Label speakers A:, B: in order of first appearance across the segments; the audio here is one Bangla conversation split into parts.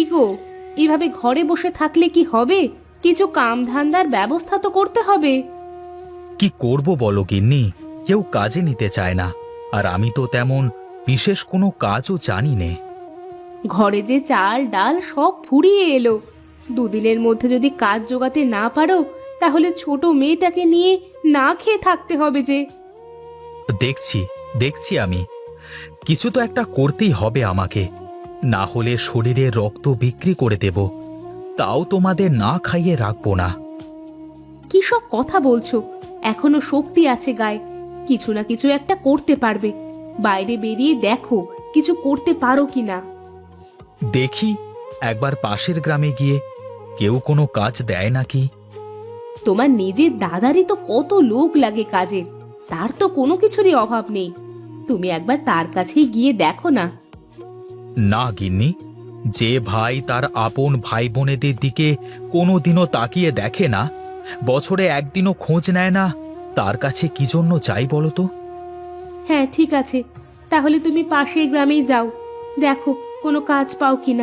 A: গো, এইভাবে ঘরে বসে থাকলে কি হবে? কিছু কাম ধান্দার ব্যবস্থা তো করতে হবে।
B: কি করব বলো গিন্নি, কেউ কাজে নিতে চায় না। আর আমি তো তেমন বিশেষ কোনো কাজও জানি নে।
A: ঘরে যে চাল ডাল সব ফুরিয়ে এলো। দুদিনের মধ্যে যদি কাজ জোগাতে না পারো, তাহলে ছোট মেয়েটাকে নিয়ে না খেয়ে থাকতে হবে যে।
B: দেখছি দেখছি আমি কিছু তো একটা করতেই হবে আমাকে, না হলে শরীরের রক্ত বিক্রি করে দেব, তাও তোমাদের না খাইয়ে রাখবো না।
A: কি সব কথা বলছো? এখনো শক্তি আছে গায়ে, কিছু না কিছু একটা করতে পারবে। বাইরে বেরিয়ে দেখো কিছু করতে পারো কিনা।
B: দেখি একবার পাশের গ্রামে গিয়ে কেউ কোনো কাজ দেয় নাকি।
A: তোমার নিজের দাদারই তো কত লোক লাগে কাজের, তার তো কোনো কিছুরই অভাব নেই। তুমি একবার তার কাছেই গিয়ে দেখো না।
B: না গিন্নি, যে ভাই তার আপন ভাই বোনেদের দিকে কোনোদিনও তাকিয়ে দেখে না, বছরে একদিনও খোঁজ নেয় না, তার কাছে কি জন্য চাই বলো তো?
A: হ্যাঁ ঠিক আছে, তাহলে তুমি পাশের গ্রামেই যাও, দেখো কোনো কাজ পাও কিনা।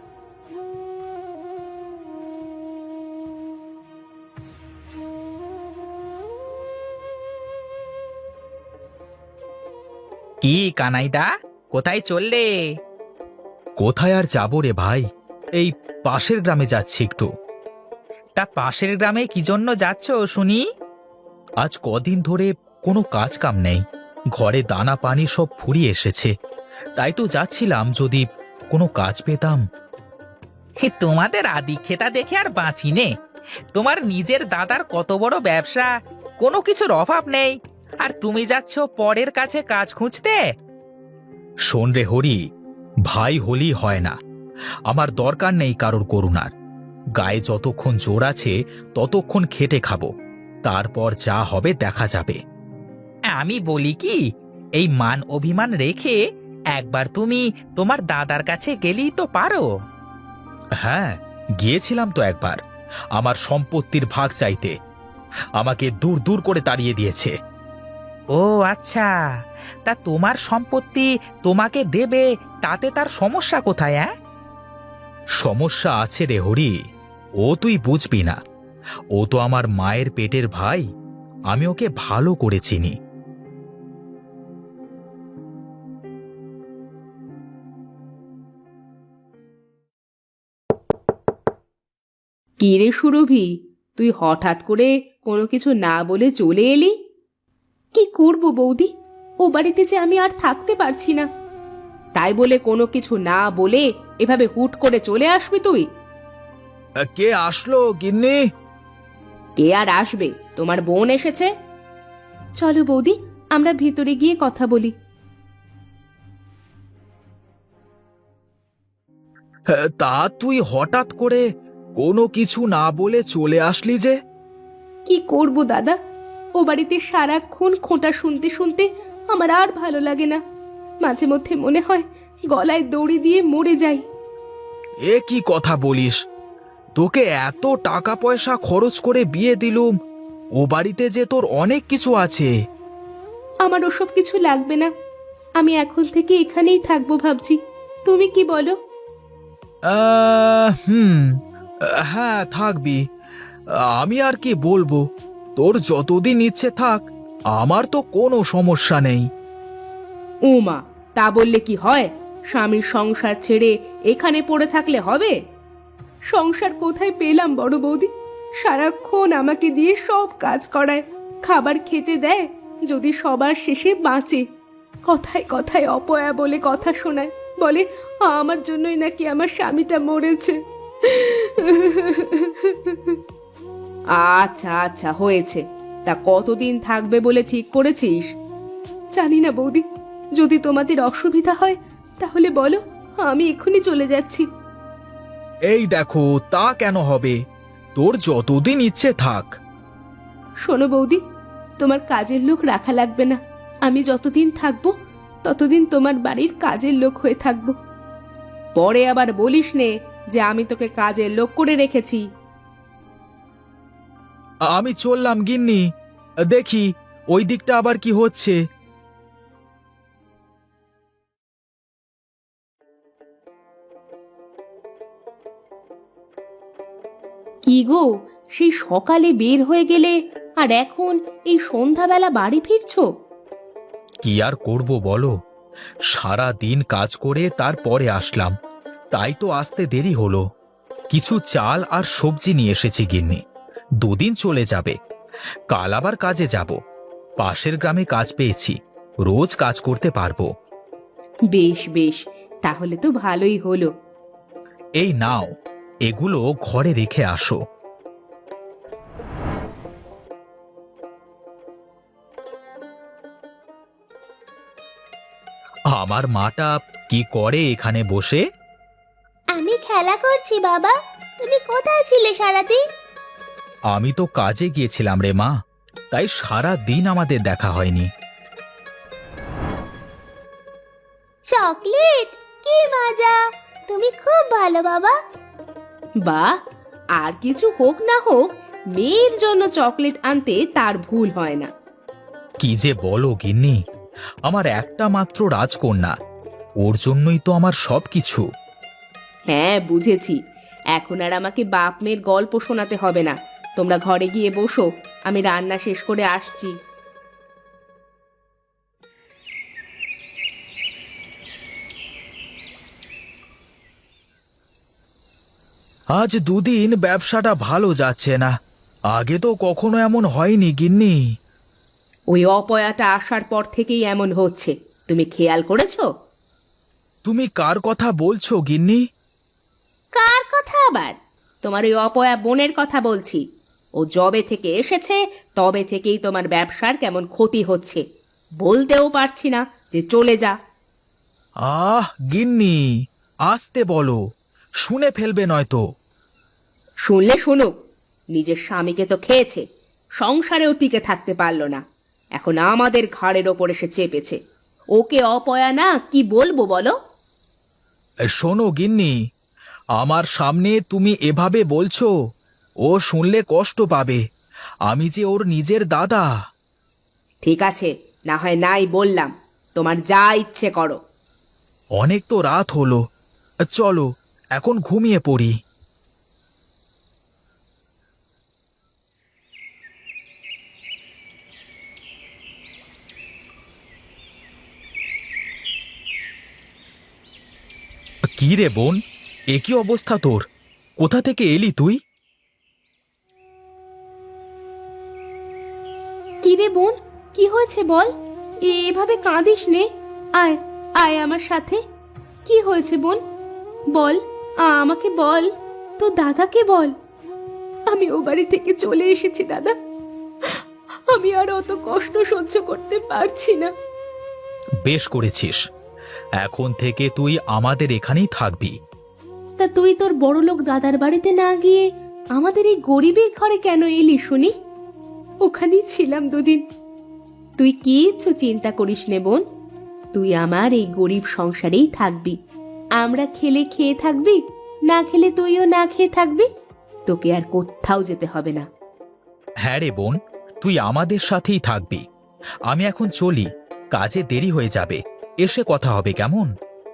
C: কি কানাইদা, কোথায় চললে?
B: কোথায় আর যাবো রে ভাই, এই পাশের গ্রামে যাচ্ছি একটু।
C: তা পাশের গ্রামে কি জন্য যাচ্ছ শুনি?
B: আজ কদিন ধরে কোনো কাজ কাম নেই, ঘরে দানা পানি সব ফুরিয়ে এসেছে, তাই তো যাচ্ছিলাম যদি কোনো কাজ পেতাম।
C: হে, তোমাদের আদি খেতা দেখে আর বাঁচি নে। তোমার নিজের দাদার কত বড় ব্যবসা, কোনো কিছুর অভাব নেই, আর তুমি যাচ্ছ পরের কাছে কাজ খুঁজতে?
B: শোন রে হরি, ভাই হলি হয় না, আমার দরকার নেই কারোর করুণার। গায়ে যতক্ষণ জোর আছে ততক্ষণ খেটে খাবো, তারপর যা হবে দেখা যাবে।
C: আমি বলি কি, এই মান অভিমান রেখে একবার তুমি তোমার দাদার কাছে গেলেই তো পারো।
B: হ্যাঁ, গিয়েছিলাম তো একবার আমার সম্পত্তির ভাগ চাইতে, আমাকে দূর দূর করে তাড়িয়ে দিয়েছে।
C: ও আচ্ছা, তা তোমার সম্পত্তি তোমাকে দেবে, তাতে তার সমস্যা কোথায়?
B: সমস্যা আছে রে হরি, ও তুই বুঝবি না, ও তো আমার মায়ের পেটের ভাই, আমি ওকে ভালো করে চিনি।
A: কি রে সুরভি, তুই হঠাৎ করে কোনো কিছু না বলে চলে এলি? কি করব বৌদি, ও বাড়িতে যে আমি আর থাকতে পারছি না। তাই বলে কোনো কিছু না বলে এভাবে হুট করে চলে আসবি তুই?
B: কে আসলো গিন্নি?
A: কে আর আসবে, তোমার বোন এসেছে। চলো বৌদি, আমরা ভিতরে গিয়ে কথা বলি।
B: তা তুই হঠাৎ করে কোনো কিছু না বলে চলে আসলি যে?
A: কি করব দাদা, ও বাড়িতে সারাক্ষণ খোঁটা শুনতে শুনতে আমার আর ভালো লাগে না। মাঝে মধ্যে মনে হয় গলায় দড়ি দিয়ে মরে যাই।
B: এ কি কথা বলিস, তোকে এত টাকা পয়সা খরচ করে বিয়ে দিলুম, ও বাড়িতে যে তোর অনেক কিছু আছে।
A: আমার ওসব কিছু লাগবে না, আমি এখন থেকে এখানেই থাকবো ভাবছি। তুমি কি বলো?
B: হুম, হ্যাঁ থাকবি, আমি আর কি বলবো, তোর যতদিন ইচ্ছে থাক, আমার তো কোনো সমস্যা নেই।
A: ওমা, তা বললে কি হয়? স্বামীর সংসার ছেড়ে এখানে পড়ে থাকলে হবে? সংসার কোথায় পেলাম বড় বৌদি, সারাক্ষণ আমাকে দিয়ে সব কাজ করায়, খাবার খেতে দেয়, যদি সবার শেষে বাঁচে। কথায় কথায় অপয়া বলে কথা শোনায়, বলে আমার জন্যই নাকি আমার স্বামীটা মরেছে। আচ্ছা আচ্ছা হয়েছে, তা কতদিন থাকবে বলে ঠিক করেছিস? জানি না বৌদি, যদি তোমাদের অসুবিধা হয় তাহলে বলো, আমি এক্ষুনি চলে যাচ্ছি।
B: এই দেখো, তা কেন হবে, তোর যতদিন ইচ্ছে থাক।
A: শোনো বৌদি, তোমার কাজের লোক রাখা লাগবে না, আমি যতদিন থাকবো ততদিন তোমার বাড়ির কাজের লোক হয়ে থাকবো। পরে আবার বলিস নে যে আমি তোকে কাজের লোক করে রেখেছি।
B: আমি চললাম গিন্নি, দেখি ওই দিকটা আবার কি হচ্ছে।
A: কি গো, সেই সকালে বের হয়ে গেলে আর এখন এই সন্ধ্যাবেলা বাড়ি ফিরছো?
B: কি আর করব বলো, সারা দিন কাজ করে তারপরে আসলাম, তাই তো আসতে দেরি হলো। কিছু চাল আর সবজি নিয়ে এসেছি গিন্নি, দুদিন চলে যাবে। কাল আবার কাজে যাব। পাশের গ্রামে কাজ পেয়েছি, রোজ কাজ করতে পারবো।
A: বেশ বেশ, তাহলে তো ভালোই হলো।
B: এই নাও, এগুলো ঘরে রেখে আসো। আমার মাটা কি করে এখানে বসে?
D: আমি খেলা করছি বাবা। তুমি কোথায় ছিলে সারাদিন?
B: আমি তো কাজে গিয়েছিলাম রে মা, তাই সারা দিন আমাদের দেখা হয়নি।
D: চকলেট, কি মজা! তুমি খুব ভালো বাবা।
A: বাহ, আর কিছু হোক না হোক, মেয়ের জন্য চকলেট আনতে তার ভুল হয় না।
B: কি যে বলো গিন্নি, আমার একটা মাত্র রাজকন্যা, ওর জন্যই তো আমার সবকিছু।
A: হ্যাঁ বুঝেছি, এখন আর আমাকে বাপ মেয়ের গল্প শোনাতে হবে না। তোমরা ঘরে গিয়ে বসো, আমি রান্না শেষ করে আসছি।
B: আজ দুদিন ব্যবসাটা ভালো যাচ্ছে না, আগে তো কখনো এমন হয়নি গিন্নি।
A: ওই অপয়াটা আসার পর থেকেই এমন হচ্ছে, তুমি খেয়াল করেছো?
B: তুমি কার কথা বলছো গিন্নি?
A: কার কথা আবার? তোমার ওই অপয়া বোনের কথা বলছি। ও যবে থেকে এসেছে তবে থেকেই তোমার ব্যবসার কেমন ক্ষতি হচ্ছে। বলতেও পারছি না যে চলে যা।
B: আহ গিন্নি, আসতে বলো, শুনে ফেলবে নয়তো।
A: শুনলে শুনুক, নিজের স্বামীকে তো খেয়েছে, সংসারেও টিকে থাকতে পারলো না, এখন আমাদের ঘাড়ের ওপর এসে চেপেছে। ওকে অপয়া না কি বলবো বলো?
B: শোনো গিন্নি, আমার সামনে তুমি এভাবে বলছো, ও শুনলে কষ্ট পাবে। আমি যে ওর নিজের দাদা।
A: ঠিক আছে, না হয় নাই বললাম, তোমার যা ইচ্ছে করো।
B: অনেক তো রাত হলো, চলো এখন ঘুমিয়ে পড়ি। কি রে বোন, এ কি অবস্থা তোর? কোথা থেকে এলি তুই?
A: কি রে বোন, কি হয়েছে বল? এভাবে কাঁদিস নে, আয় আয় আমার সাথে। কি হয়েছে বোন, বল, আমাকে বল, তো দাদাকে বল। আমি ও বাড়ি থেকে চলে এসেছি দাদা, আমি আর অত কষ্ট সহ্য করতে পারছি না।
B: বেশ করেছিস, এখন থেকে তুই আমাদের এখানেই থাকবি।
A: তা তুই তোর বড়লোক দাদার বাড়িতে না গিয়ে আমাদের এই গরিবের ঘরে কেন এলি শুনি? ওখানেই ছিলাম দুদিন। তুই কিচ্ছু চিন্তা করিস নে বোন, তুই আমার এই গরিব সংসারেই থাকবি। আমরা খেলে খেয়ে থাকবি, না খেলে তুইও না খেয়ে থাকবি, তোকে আর কোথাও যেতে হবে না।
B: হ্যাঁ রে বোন, তুই আমাদের সাথেই থাকবি। আমি এখন চলি, কাজে দেরি হয়ে যাবে, এসে কথা হবে কেমন?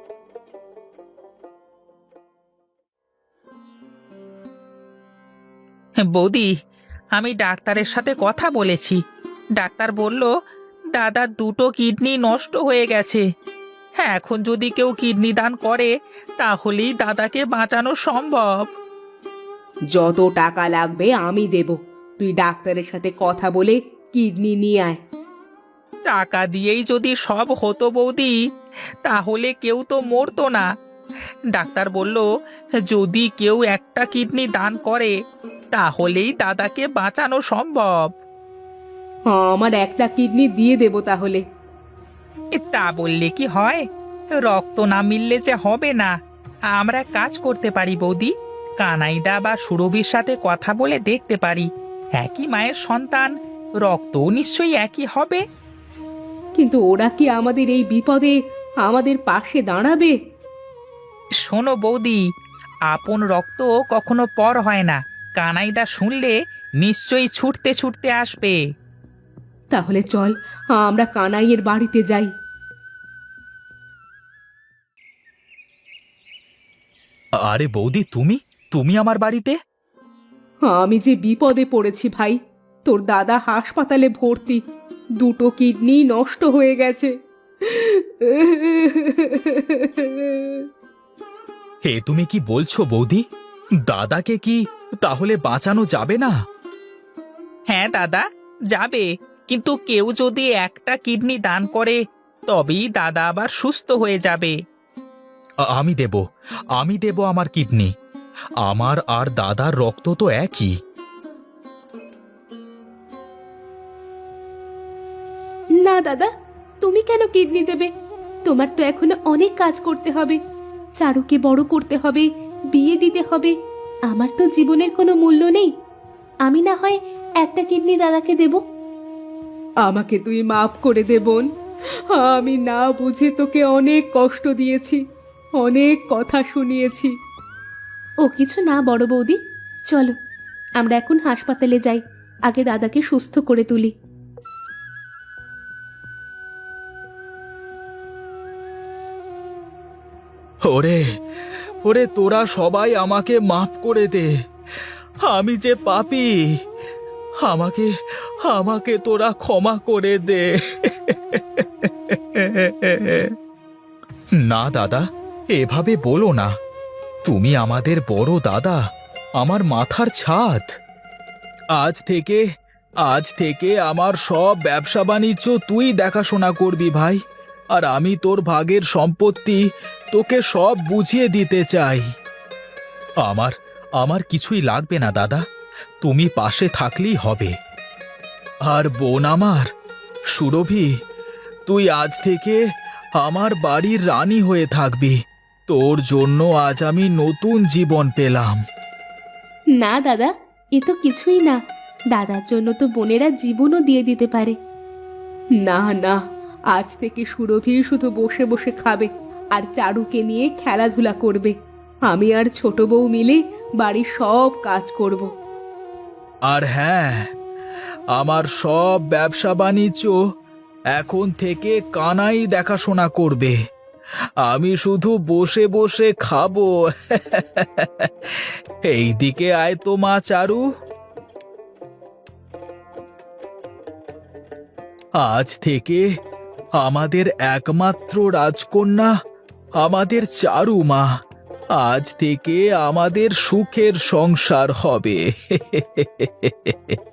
C: বৌদি, আমি ডাক্তারের সাথে কথা বলেছি। ডাক্তার বলল দাদার দুটো কিডনি নষ্ট হয়ে গেছে। হ্যাঁ, এখন যদি কেউ কিডনি দান করে তাহলেই দাদাকে বাঁচানো সম্ভব।
A: যত টাকা লাগবে আমি দেব, তুই ডাক্তারের সাথে কথা বলে কিডনি নিয়ে আয়।
C: টাকা দিয়েই যদি সব হতো বৌদি, তাহলে কেউ তো মরতো না। ডাক্তার বলল যদি কেউ একটা কিডনি দান করে তাহলেই দাদাকে বাঁচানো সম্ভব।
A: আমার একটা কিডনি দিয়ে দেব তাহলে।
C: তা বললে কি হয়? রক্ত না মিললে যে হবে না। আমরা কাজ করতে পারি বৌদি, কানাইদা বা সুরভির সাথে কথা বলে দেখতে পারি। একই মায়ের সন্তান, রক্তও নিশ্চয়ই একই হবে।
A: কিন্তু ওরা কি আমাদের এই বিপদে আমাদের পাশে দাঁড়াবে?
C: শোনো বৌদি, আপন রক্ত কখনো পর হয় না। কানাইদা শুনলে নিশ্চয়ই ছুটতে ছুটতে আসবে।
A: তাহলে চল, আমরা কানাইয়ের বাড়িতে যাই।
B: আরে বৌদি, তুমি তুমি আমার বাড়িতে?
A: আমি যে বিপদে পড়েছি ভাই। তোর দাদা হাসপাতালে ভর্তি, দুটো কিডনি নষ্ট হয়ে গেছে।
B: হে, তুমি কি বলছো বৌদি? দাদাকে কি তাহলে বাঁচানো যাবে না?
C: হ্যাঁ দাদা, যাবে, কিন্তু কেউ যদি একটা কিডনি দান করে তবেই দাদা আবার সুস্থ হয়ে যাবে।
B: আমি দেব আমার কিডনি। আমার আর দাদার রক্ত তো একই।
A: না দাদা, তুমি কেন কিডনি দেবে? তোমার তো এখনো অনেক কাজ করতে হবে। চারুকে বড় করতে হবে, বিয়ে দিতে হবে। আমার তো জীবনের কোনো মূল্য নেই। আমি না হয় একটা কিডনি দাদাকে দেব। আমাকে তুই মাফ করে দে বোন। আমি না বুঝে তোকে অনেক কষ্ট দিয়েছি, অনেক কথা শুনিয়েছি। ও কিছু না বড় বৌদি, চলো আমরা এখন হাসপাতালে যাই, আগে দাদাকে সুস্থ করে তুলি।
B: ওরে ওরে, তোরা সবাই আমাকে মাফ করে দে। আমি যে পাপী, আমাকে আমাকে তোরা ক্ষমা করে দে। না দাদা, এভাবে বলো না। তুমি আমাদের বড় দাদা, আমার মাথার ছাদ। আজ থেকে আমার সব ব্যবসা বাণিজ্য তুই দেখাশোনা করবি ভাই। আর আমি তোর ভাগের সম্পত্তি তোকে সব বুঝিয়ে দিতে চাই। আমার কিছুই লাগবে না দাদা, তুমি পাশে থাকলেই হবে। আর বোন আমার সুরভি, তুই আজ থেকে আমার বাড়ির রানী হয়ে থাকবি। তোর জন্য আজ আমি নতুন জীবন পেলাম।
A: না দাদা, এ তো কিছুই না। দাদার জন্য তো বোনেরা জীবনও দিয়ে দিতে পারে। না না, আজ থেকে সুরভি শুধু বসে বসে খাবে আর চারুকে নিয়ে খেলাধুলা করবে। আমি আর ছোট বউ মিলে বাড়ির সব কাজ করব।
B: আর হ্যাঁ, আমার সব ব্যবসা বাণিজ্য এখন থেকে কানাই দেখাশোনা করবে। আমি শুধু বসে বসে খাবো। এইদিকে আয় তো মা চারু। আজ থেকে আমাদের একমাত্র রাজকন্যা আমাদের চারু মা। আজ থেকে আমাদের সুখের সংসার হবে।